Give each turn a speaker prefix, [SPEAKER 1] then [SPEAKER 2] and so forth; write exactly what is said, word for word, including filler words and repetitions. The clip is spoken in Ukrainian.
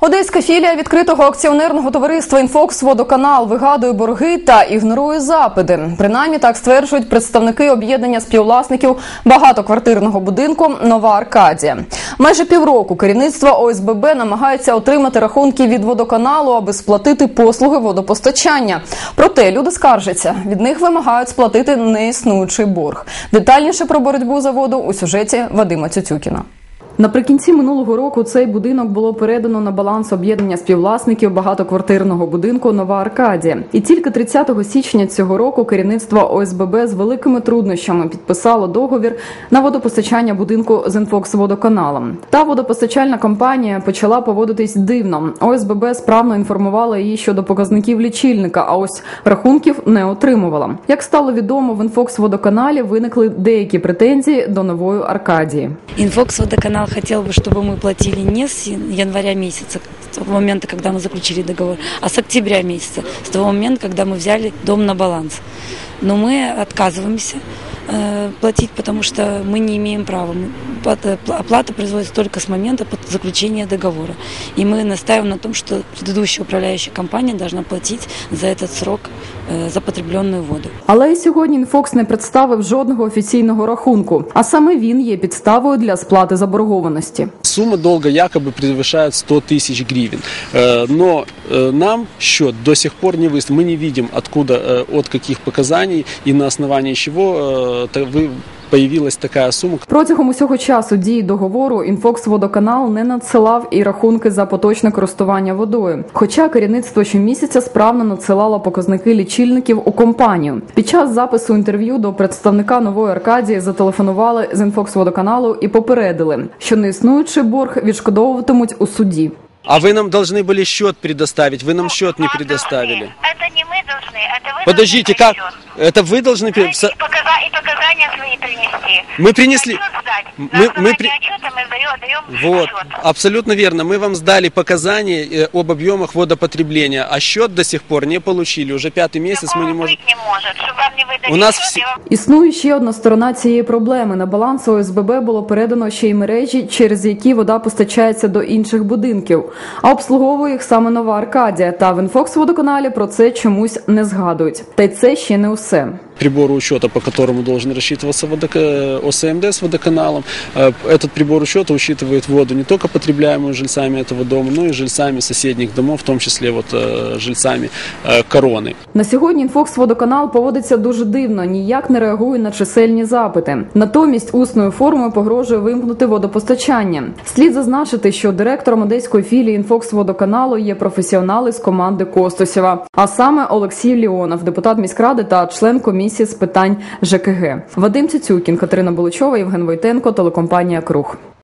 [SPEAKER 1] Одеська філія відкритого акціонерного товариства «Інфокс-Водоканал» вигадує борги та ігнорує запити. Принаймні так стверджують представники об'єднання співвласників багатоквартирного будинку «Нова Аркадія». Майже півроку керівництво О С Б Б намагається отримати рахунки від водоканалу, аби сплатити послуги водопостачання. Проте люди скаржаться, від них вимагають сплатити неіснуючий борг. Детальніше про боротьбу за воду у сюжеті Вадима Цюцюкіна. Наприкінці минулого року цей будинок було передано на баланс об'єднання співвласників багатоквартирного будинку «Нова Аркадія». І тільки тридцятого січня цього року керівництво О С Б Б з великими труднощами підписало договір на водопостачання будинку з «Інфокс-Водоканалом». Та водопостачальна компанія почала поводитись дивно. О С Б Б справно інформувала її щодо показників лічильника, а ось рахунків не отримувала. Як стало відомо, в «Інфокс-Водоканалі» виникли деякі претензії до «Нової Аркадії».
[SPEAKER 2] «Инфокс-Водоканал» хотел бы, чтобы мы платили не с января месяца, с того момента, когда мы заключили договор, а с октября месяца, с того момента, когда мы взяли дом на баланс. Но мы отказываемся э, платить, потому что мы не имеем права. Оплата производится только с момента заключения договора. И мы настаиваем на том, что предыдущая управляющая компания должна платить за этот срок э, за потребленную воду.
[SPEAKER 1] Але і сьогодні «Інфокс» не представив жодного офіційного рахунку, а саме він є підставою для сплати заборгованості.
[SPEAKER 3] Сумма долга якобы превышает сто тысяч гривен, но нам счет до сих пор не выставлен. Мы не видим, откуда, от каких показаний и на основании чего вы появилась така сума.
[SPEAKER 1] Протягом усього часу дії договору «Інфокс-Водоканал» не надсилав і рахунки за поточне користування водою. Хоча керівництво щомісяця справно надсилало показники лічильників у компанію. Під час запису інтерв'ю до представника «Нової Аркадії» зателефонували з «Інфокс-Водоканалу» і попередили, що неіснуючий борг відшкодовуватимуть у суді.
[SPEAKER 3] А вы нам должны были счет предоставить, вы нам счет не предоставили.
[SPEAKER 4] Это не мы должны, это вы.
[SPEAKER 3] Подождите, как? Это вы должны...
[SPEAKER 4] И, показа... и показания свои принести.
[SPEAKER 3] Мы принесли...
[SPEAKER 4] Мы, мы, при... отчета мы даем
[SPEAKER 3] вот,
[SPEAKER 4] отчет.
[SPEAKER 3] Абсолютно верно. Мы вам сдали показания об объемах водопотребления, а счет до сих пор не получили. Уже пятый месяц мы не можем...
[SPEAKER 4] не может, чтобы вам не выдали.
[SPEAKER 3] У нас
[SPEAKER 4] счет,
[SPEAKER 3] всі...
[SPEAKER 4] вам...
[SPEAKER 1] Існує ще одна сторона цієї проблеми. На баланс О С Б Б було передано ще й мережі, через які вода постачається до інших будинків. А обслуговує їх саме «Нова Аркадія». Та в «Інфокс-Водоканалі» про це чомусь не згадують. Та й це ще не усе.
[SPEAKER 3] Прибор учета, по которому должен рассчитываться водок... О С М Д с водоканалом. Этот прибор учета учитывает воду не только потребляемую жильцами этого дома, но и жильцами соседних домов, в том числе вот жильцами Корони.
[SPEAKER 1] На сьогодні «Інфокс-Водоканал» поводиться дуже дивно, ніяк не реагує на чисельні запити. Натомість усною формою погрожує вимкнути водопостачання. Слід зазначити, що директором одеської філії «Інфокс-Водоканалу» є професіонали з команди Костусєва, а саме Олексій Леонов, депутат міськради та член комісії з питань Ж К Г. Вадим Цюцюкін, Катерина Буличова, Євген Войтенко, телекомпанія «Круг».